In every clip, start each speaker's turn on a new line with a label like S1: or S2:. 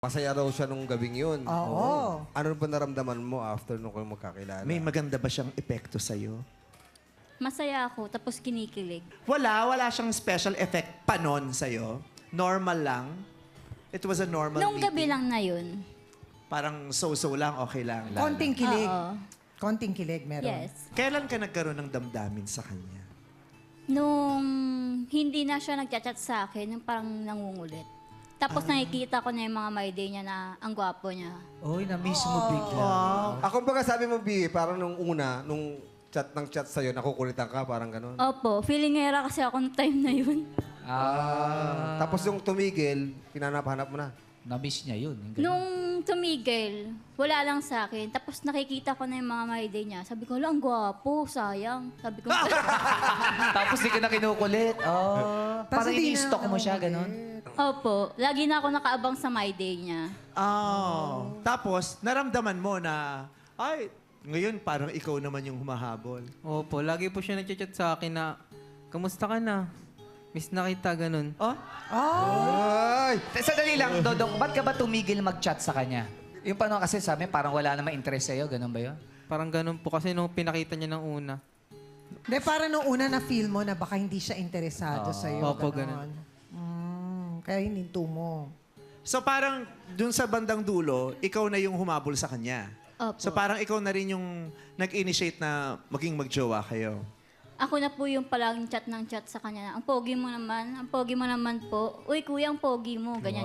S1: Masaya raw siya nung gabing yun.
S2: Oo.
S1: Ano ba naramdaman mo after nung kayo magkakilala?
S3: May maganda ba siyang epekto sa'yo?
S4: Masaya ako, tapos kinikilig.
S3: Wala siyang special effect pa nun sa'yo? Normal lang? It was a normal
S4: Nung gabi
S3: meeting?
S4: lang na yun.
S3: Parang so-so lang, okay lang.
S2: Konting kilig.
S4: Oo.
S2: Konting kilig meron.
S4: Yes.
S3: Kailan ka nagkaroon ng damdamin sa kanya?
S4: Nung hindi na siya nagchat-chat sa akin, yung parang nangungulit. Tapos nakikita ko na yung mga my day niya na ang gwapo niya.
S5: Uy, na-miss mo bigla.
S1: Ako baga sabi mo, B, parang nung una, nung chat ng chat sa'yo, nakukulitan ka, parang ganun.
S4: Opo, feelingera kasi ako nung time na yun.
S1: Tapos yung tumigil, pinanap-hanap mo na.
S5: Na-miss niya yun. Yung ganun.
S4: Nung tumigil, wala lang sa akin. Tapos nakikita ko na yung mga my day niya. Sabi ko, ang gwapo, sayang. Sabi ko,
S5: Tapos di ka na kinukulit. Oh. Parang
S2: hindi na
S5: ini-stalk mo siya, ganun.
S4: opo, lagi na ako nakaabang sa my day niya.
S3: Tapos, naramdaman mo na, ay, ngayon parang ikaw naman yung humahabol.
S6: Opo, lagi po siya nagchat sa akin na, kamusta ka na? Miss na kita, ganun.
S3: Oh?
S1: Ay!
S5: Sandali lang, Dodong, ba't ka ba tumigil mag-chat sa kanya? Yung paano kasi sabi, parang wala namang interest sa'yo, ganun ba yun?
S6: Parang ganun po kasi nung pinakita niya ng una.
S2: Hindi, para nung una na feel mo na baka hindi siya interesado sa'yo.
S6: Opo,
S2: ganon. Kaya hininto mo.
S3: So parang dun sa bandang dulo, ikaw na yung humabol sa kanya.
S4: Opo.
S3: So parang ikaw na rin yung nag-initiate na maging magjowa kayo.
S4: Ako na po yung palaging chat ng chat sa kanya. Ang pogi mo naman po. Uy, kuya, ang pogi mo. Ganyan.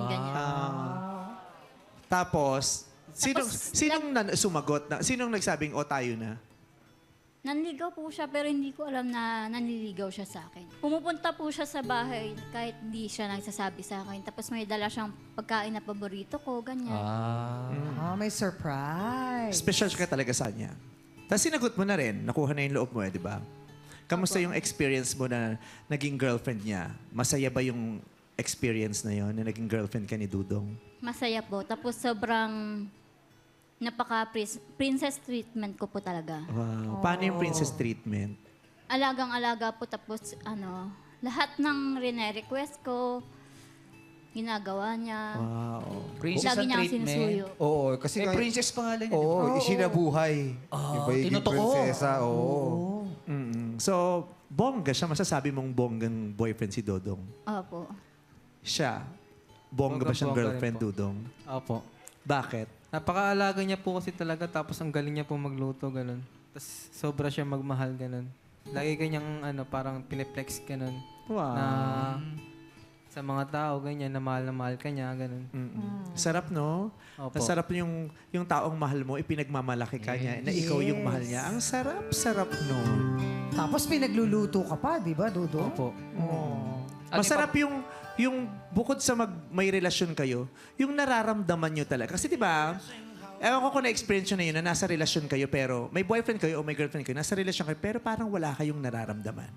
S3: Tapos, sinong sumagot na? Sinong nagsabing, o tayo na?
S4: Nanligaw po siya pero hindi ko alam na nanliligaw siya sa akin. Pumupunta po siya sa bahay kahit hindi siya nagsasabi sa akin. Tapos may dala siyang pagkain na paborito ko, ganyan.
S2: May surprise.
S3: Special ka talaga sa kanya. Tapos sinagot mo na rin, nakuha na yung loob mo di ba? Kamusta yung experience mo na naging girlfriend niya? Masaya ba yung experience na yon na naging girlfriend ka ni Dudong?
S4: Masaya po. Tapos sobrang napaka-princess treatment ko po talaga.
S3: Wow. Paano yung princess treatment?
S4: Alagang-alaga po. Tapos lahat ng rene-request ko, ginagawa niya.
S3: Wow.
S5: Princess
S4: Lagi
S5: ang
S4: niya akong
S5: treatment.
S4: sinusuyo.
S1: Oo, kasi nga...
S5: Princess pangalan niya. di ba?
S1: Oo, isinabuhay. Yung pagiging
S5: tinotoo.
S1: prinsesa, oo.
S3: So, bongga siya. Masasabi mong bonggang boyfriend si Dodong.
S4: Opo.
S3: Siya, bongga ba siyang
S6: Bongga rin
S3: girlfriend,
S6: po.
S3: Dudong?
S6: Opo.
S3: Bakit?
S6: Napakaalaga niya po kasi talaga, tapos ang galing niya po magluto, ganun. Tapos sobra siya magmahal, ganun. Lagi kanyang parang pineplex, ganun.
S3: Wow.
S6: Na sa mga tao, ganyan, na mahal ka niya, ganun.
S3: Sarap, no?
S6: Opo.
S3: Ang sarap yung taong mahal mo, ipinagmamalaki ka niya, na ikaw yung mahal niya. Ang sarap, no?
S2: Tapos pinagluluto ka pa, di ba, Dodo?
S6: Opo.
S3: Masarap yung bukod sa may relasyon kayo, yung nararamdaman nyo talaga. Kasi di ba, ewan ko kung na-experience nyo na yun, na nasa relasyon kayo, pero may boyfriend kayo o may girlfriend kayo, nasa relasyon kayo, pero parang wala kayong nararamdaman.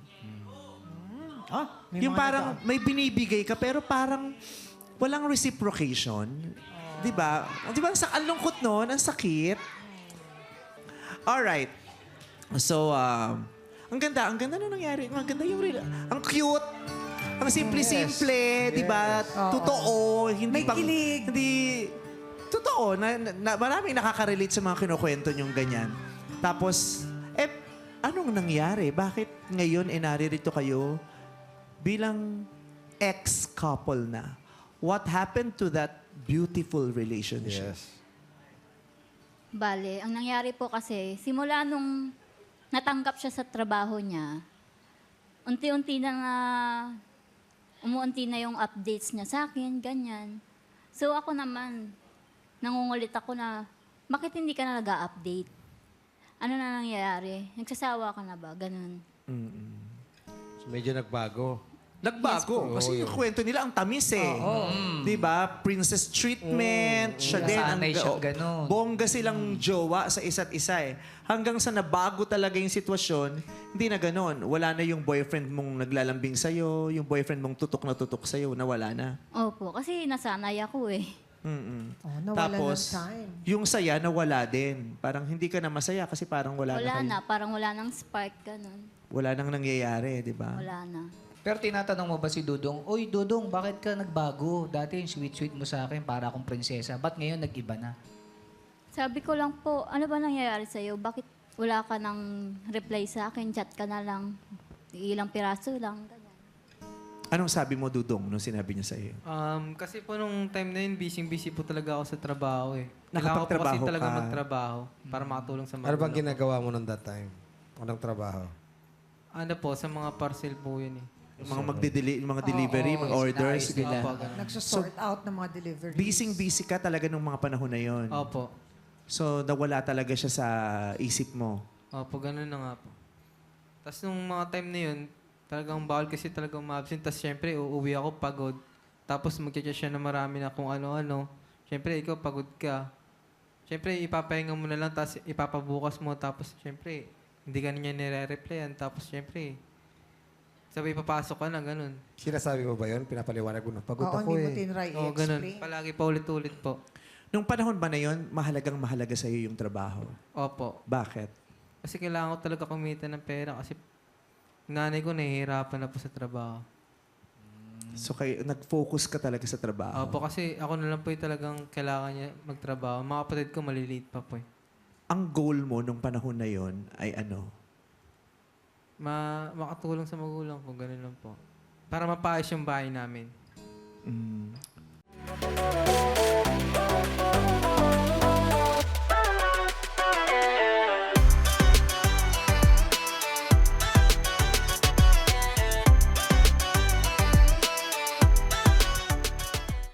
S2: May
S3: Yung
S2: mga
S3: parang may binibigay ka, pero parang walang reciprocation. Di ba? Di ba, ang lungkot nun, ang sakit. Alright. So, ang ganda na nangyari. Ang ganda yung ang cute. Ang simple-simple, di ba? Totoo. Hindi
S2: May kilig.
S3: Hindi, totoo. Maraming nakaka-relate sa mga kinukwento nyong ganyan. Tapos, anong nangyari? Bakit ngayon naririto kayo bilang ex-couple na? What happened to that beautiful relationship?
S1: Yes.
S4: Bale, ang nangyari po kasi, simula nung natanggap siya sa trabaho niya, unti-unti umuunti na yung updates niya sa akin, ganyan. So ako naman, nangungulit ako na, bakit hindi ka na nag-update? Ano na nangyayari? Nagsasawa ka na ba? Ganun.
S1: So, medyo nagbago.
S3: Nagbago. Kasi yung kwento nila, ang tamis eh. Di ba? Princess treatment. Siya din.
S5: Nasanay siya ganun.
S3: Bongga silang jowa sa isa't isa eh. Hanggang sa nabago talaga yung sitwasyon, hindi na ganun. Wala na yung boyfriend mong naglalambing sa'yo, yung boyfriend mong tutok na tutok sa'yo, nawala na.
S4: Opo, kasi nasanay ako eh.
S2: nawala
S3: Tapos,
S2: ng time.
S3: yung saya nawala din. Parang hindi ka na masaya kasi parang wala na
S4: Wala
S3: kayo.
S4: na, parang wala nang spark, ganun.
S3: Wala nang nangyayari, di ba?
S4: Wala na.
S5: Pero tinatanong mo ba si Dudong, Uy, Dudong, bakit ka nagbago? Dati yung sweet-sweet mo sa akin para akong prinsesa. Ba't ngayon nag-iba na?
S4: Sabi ko lang po, ano ba nangyayari sa'yo? Bakit wala ka ng reply sa akin? Chat ka na lang. Ilang piraso lang. Ganyan.
S3: Anong sabi mo, Dudong, nung sinabi niya sa iyo?
S6: Kasi po nung time na yun, busy po talaga ako sa trabaho eh. Kailangan ko po kasi
S3: Nakapagtrabaho
S6: talaga
S3: ka.
S6: magtrabaho para makatulong sa
S1: Ano
S6: magulang
S1: bang
S6: ko.
S1: ginagawa mo nung that time? Anong trabaho?
S6: Ano po, sa mga parcel po yun eh.
S3: Yung mga delivery, mga orders,
S5: Ayos nila.
S6: Opo, ganun.
S2: Nagsosort out ng mga deliveries.
S3: Busy ka talaga nung mga panahon na yon.
S6: Opo.
S3: So, nawala talaga siya sa isip mo.
S6: Opo, ganun na nga po. Tapos nung mga time na yun, talagang bawal kasi talagang ma-absent. Tapos syempre, uuwi ako pagod. Tapos mag-chat siya na marami na kung ano-ano. Syempre, ikaw pagod ka. Syempre, ipapahinga mo na lang, tapos ipapabukas mo. Tapos syempre, hindi ka niya nire-replyan. Tapos syempre, sabi papasok ka na, ganun.
S1: Sinasabi mo ba yun? Pinapaliwanag mo na. Pagod
S2: Oo,
S1: ako
S2: hindi mo
S1: eh.
S2: tinry
S6: Oo, ganun.
S2: i-explain.
S6: Palagi pa ulit-ulit po.
S3: Nung panahon ba na yon, mahalagang mahalaga sa iyo yung trabaho?
S6: Opo.
S3: Bakit?
S6: Kasi kailangan ko talaga kumita ng pera kasi nanay ko nahihirapan na po sa trabaho.
S3: So, nag-focus ka talaga sa trabaho?
S6: Opo, kasi ako na lang po yung talagang kailangan niya magtrabaho. Mga kapatid ko maliliit pa po eh.
S3: Ang goal mo nung panahon na yon ay ano?
S6: Makatulong sa magulang ko, ganun lang po. Para mapaayos yung bahay namin.
S3: Mm.